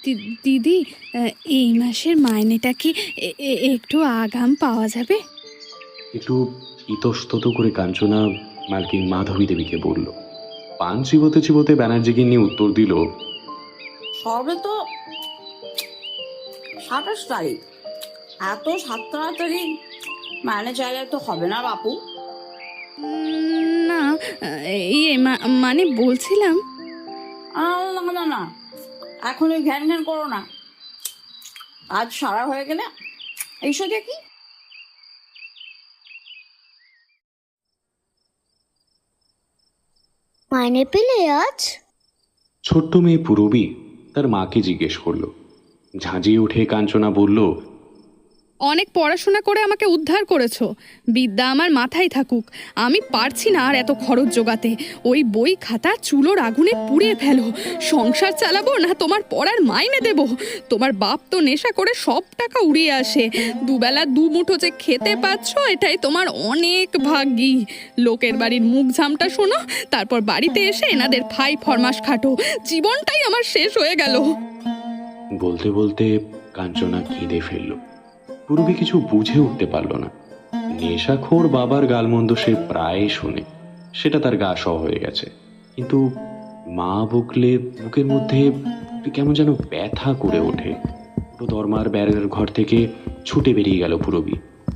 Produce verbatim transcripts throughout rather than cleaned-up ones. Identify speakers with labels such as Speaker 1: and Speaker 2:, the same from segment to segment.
Speaker 1: দি- দিদি, এই মাসের মাইনেটা কি এ- এ- একটু আগাম পাওয়া যাবে?
Speaker 2: একটু ইতস্তত করে কাঞ্চনা মালকিন মাধবী দেবীকে বলল। পান চিবোতে চিবোতে ব্যানার্জিকে নিয়ে উত্তর দিল,
Speaker 3: সবে তো সাতাশ তারিখ, এত সাত তাড়াতাড়ি মানে চাইলে তো হবে না বাপু।
Speaker 1: উম, না, ইয়ে মা- মানে বলছিলাম।
Speaker 3: আহ, না না না, এখন ওই ঘ্যান ঘ্যান করো না। আজ সারা হয়ে গেলে এইসব দেখি।
Speaker 4: মাইনে পেলে আজ?
Speaker 2: ছোট্ট মেয়ে পূরবী তার মাকে জিজ্ঞেস করলো। ঝাঁঝিয়ে উঠে কাঞ্চনা বলল,
Speaker 1: অনেক পড়াশোনা করে আমাকে উদ্ধার করেছো, বিদ্যা আমার মাথায় থাকুক। আমি পারছি না আর এত খরচ জোগাতে। ওই বই খাতা চুলোর আগুনে পুড়িয়ে ফেলো। সংসার চালাবো না তোমার পড়ার মাইনে দেব? তোমার বাপ তো নেশা করে সব টাকা উড়িয়ে আসে। দুবেলা দু মুঠো যে খেতে পাচ্ছ, এটাই তোমার অনেক ভাগ্যি। লোকের বাড়ির মুখ ঝামটা শোনো, তারপর বাড়িতে এসে এনাদের ফাই ফরমাস খাটো। জীবনটাই আমার শেষ হয়ে গেল।
Speaker 2: বলতে বলতে কাঞ্চনা কেঁদে ফেলল। পূরবী কিছু বুঝে উঠতে পারল না। নেশাখোর বাবার গালমন্দ সে প্রায় শোনে, সেটা তার গা সহ হয়ে গেছে। কিন্তু মা বকলে বুকের মধ্যে একটু কেমন যেন ব্যথা করে ওঠে। পুরো দরমার ব্যারের ঘর থেকে ছুটে বেরিয়ে গেল পূরবী।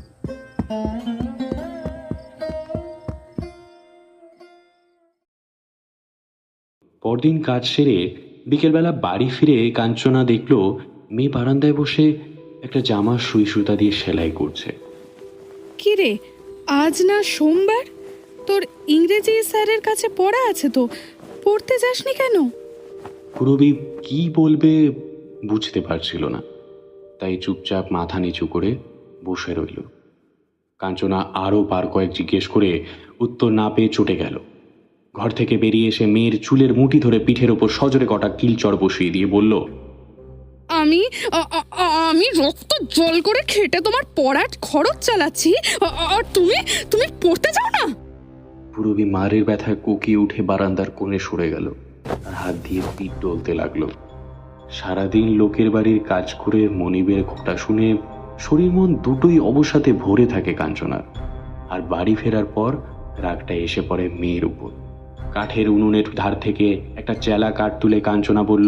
Speaker 2: পরদিন কাজ সেরে বিকেলবেলা বাড়ি ফিরে কাঞ্চনা দেখল মেয়ে বারান্দায় বসে একটা জামা সুই সুতা দিয়ে সেলাই করছে।
Speaker 1: কি রে, আজ না সোমবার? তোর ইংরেজি স্যারের কাছে পড়া আছে তো, পড়তে যাসনি কেন?
Speaker 2: পূরবী কি বলবে বুঝতে পারছিল না, তাই চুপচাপ মাথা নিচু করে বসে রইল। কাঞ্চনা আরও বার কয়েক জিজ্ঞেস করে উত্তর না পেয়ে চটে গেল। ঘর থেকে বেরিয়ে এসে মেয়ের চুলের মুঠি ধরে পিঠের ওপর সজোরে কটা কিলচড় বসিয়ে দিয়ে বলল,
Speaker 1: আমি আ- আ- আ- আমি রক্ত জল করে খেটে তোমার পড়ার খরচ চালাচ্ছি, আ- আর তুমি তুমি পড়তে যাও না?
Speaker 2: পূরবী মারের ব্যথায় কোকিয়ে উঠে বারান্দার কোণে সরে গেল। আর হাত দিয়ে পিঠ ডলতে লাগলো। সারাদিন লোকের বাড়ির কাজ করে মনিবের খোঁটা শুনে শরীর মন দুটোই অবসাদে ভরে থাকে কাঞ্চনার। আর বাড়ি ফেরার পর রাগটা এসে পড়ে মেয়ের উপর। কাঠের উনুনের ধার থেকে একটা চেলা কাঠ তুলে কাঞ্চনা বলল,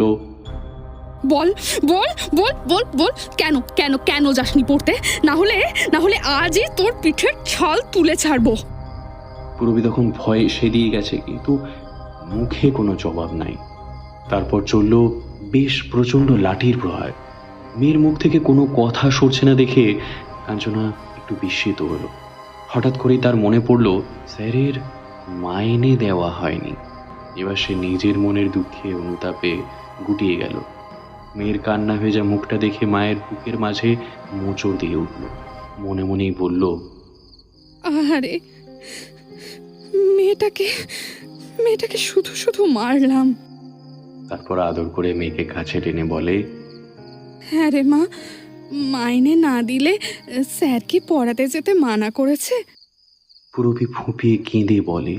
Speaker 1: বল বল বল বল বল কেন কেন কেন যাসনি পড়তে? না হলে না হলে আজই তোর পিঠের ছাল তুলে ছাড়বো।
Speaker 2: পূরবী তখন ভয়ে সেদিয়ে গেছে, কিন্তু মুখে কোনো জবাব নাই। তারপর চলল বেশ প্রচণ্ড লাঠির প্রহার। মেয়ের মুখ থেকে কোনো কথা সরছে না দেখে কাঞ্চনা একটু বিস্মিত হলো। হঠাৎ করেই তার মনে পড়ল স্যারের মাইনে দেওয়া হয়নি। এবার সে নিজের মনের দুঃখে অনুতাপে গুটিয়ে গেল। মেয়ের কান্না ভেজা মুখটা দেখে মায়ের বুকের মাঝে মোচড় দিয়ে উঠল। মনে মনেই বলল,
Speaker 1: আরে মেয়েটাকে মেয়েটাকে শুধু শুধু মারলাম।
Speaker 2: তারপর আদর করে মেয়েকে কাছে টেনে বলে,
Speaker 1: হ্যাঁ রে মা, মাইনে না দিলে স্যার কি পড়াতে যেতে মানা করেছে?
Speaker 2: পূরবী ফুঁপিয়ে কেঁদে বলে,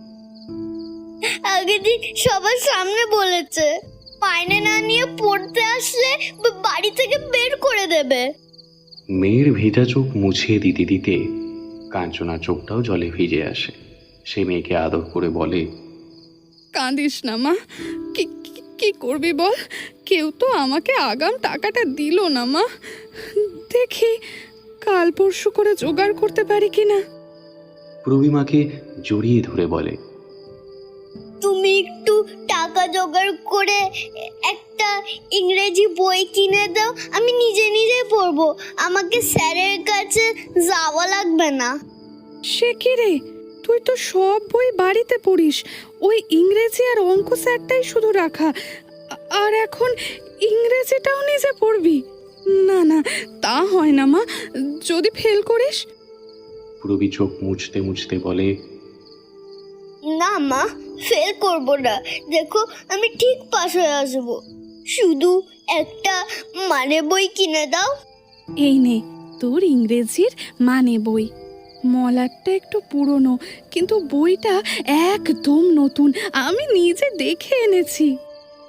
Speaker 4: আগের দিন সবার সামনে বলেছে মাইনে না নিয়ে পড়তে আসলে বা- বাড়ি থেকে বের করে দেবে।
Speaker 2: মেয়ের ভেজা চোখ মুছিয়ে দিতে দিতে কাঞ্চনা চোখটাও জলে ভিজে আসে। সে মেয়েকে আদর করে বলে,
Speaker 1: কাঁদিস না মা, কি কি- কি করবি বল? কেউ তো আমাকে আগাম টাকাটা দিল না মা। দেখি কাল পরশু করে জোগাড় করতে পারি কিনা।
Speaker 2: পূরবী মাকে জড়িয়ে ধরে বলে,
Speaker 4: তুমি একটু টাকা জোগাড় করে একটা ইংরেজি বই কিনে দাও, আমি নিজে নিজে পড়বো। আমাকে স্যারের কাছে যাওয়া লাগবে না।
Speaker 1: সে কি রে, তুই তো সব বই বাড়িতে পড়িস, ওই ইংরেজি আর অঙ্ক স্যারটাই শুধু রাখা, আ- আর এখন ইংরেজিটাও নিজে পড়বি? না না, তা হয় না মা, যদি ফেল করিস।
Speaker 2: পূরবী চোখ মুছতে মুছতে বলে,
Speaker 4: না মা, ফেল করব না। দেখো আমি ঠিক পাস হয়ে আসবো। শুধু একটা মানে বই কিনে দাও।
Speaker 1: এই নে তোর ইংরেজির মানে বই। মলাটটা একটু পুরনো, কিন্তু বইটা একদম নতুন, আমি নিজে দেখে এনেছি।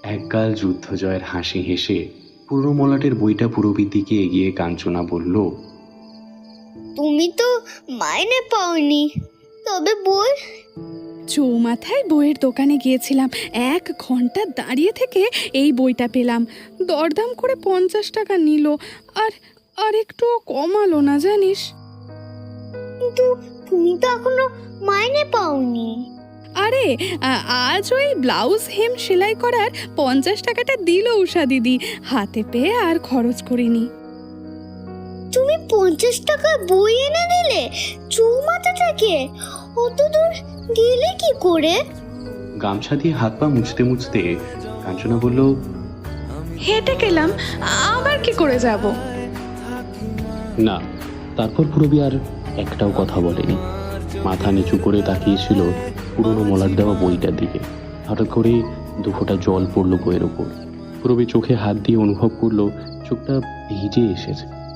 Speaker 2: একগাল যুদ্ধজয়ের হাসি হেসে পুরনো মলাটের বইটা পুরবীর দিকে এগিয়ে কাঞ্চনা বলল,
Speaker 4: তুমি তো মাইনে পাওনি, তবে বই?
Speaker 1: চৌমাথায় বইয়ের দোকানে গিয়েছিলাম, এক ঘন্টা দাঁড়িয়ে থেকে এই বইটা পেলাম। দরদাম করে পঞ্চাশ টাকা নিল, আর আর একটুও কমালো না জানিস।
Speaker 4: কিন্তু তুমি তো এখনো মাইনে পাওনি।
Speaker 1: আরে আ- আজ ওই ব্লাউজ হেম সেলাই করার পঞ্চাশ টাকাটা দিল উষা দিদি, হাতে পেয়ে আর খরচ করিনি।
Speaker 4: তুমি পঞ্চাশ টাকা বই এনে দিলে চৌমাথা থেকে? অত দূর গেলে কি করে?
Speaker 2: গামছা দিয়ে হাত পা মুছতে মুছতে কাঞ্চনা বলল,
Speaker 1: হেঁটে গেলাম, আবার কি করে যাব?
Speaker 2: না। তারপর পুরবী আর একটাও কথা বলেনি। মাথা নিচু করে তাকিয়েছিল পুরনো মলাট দেওয়া বইটার দিকে। হঠাৎ করে দুফোঁটা জল পড়ল বইয়ের ওপর। পুরবী চোখে হাত দিয়ে অনুভব করলো চোখটা ভিজে এসেছে।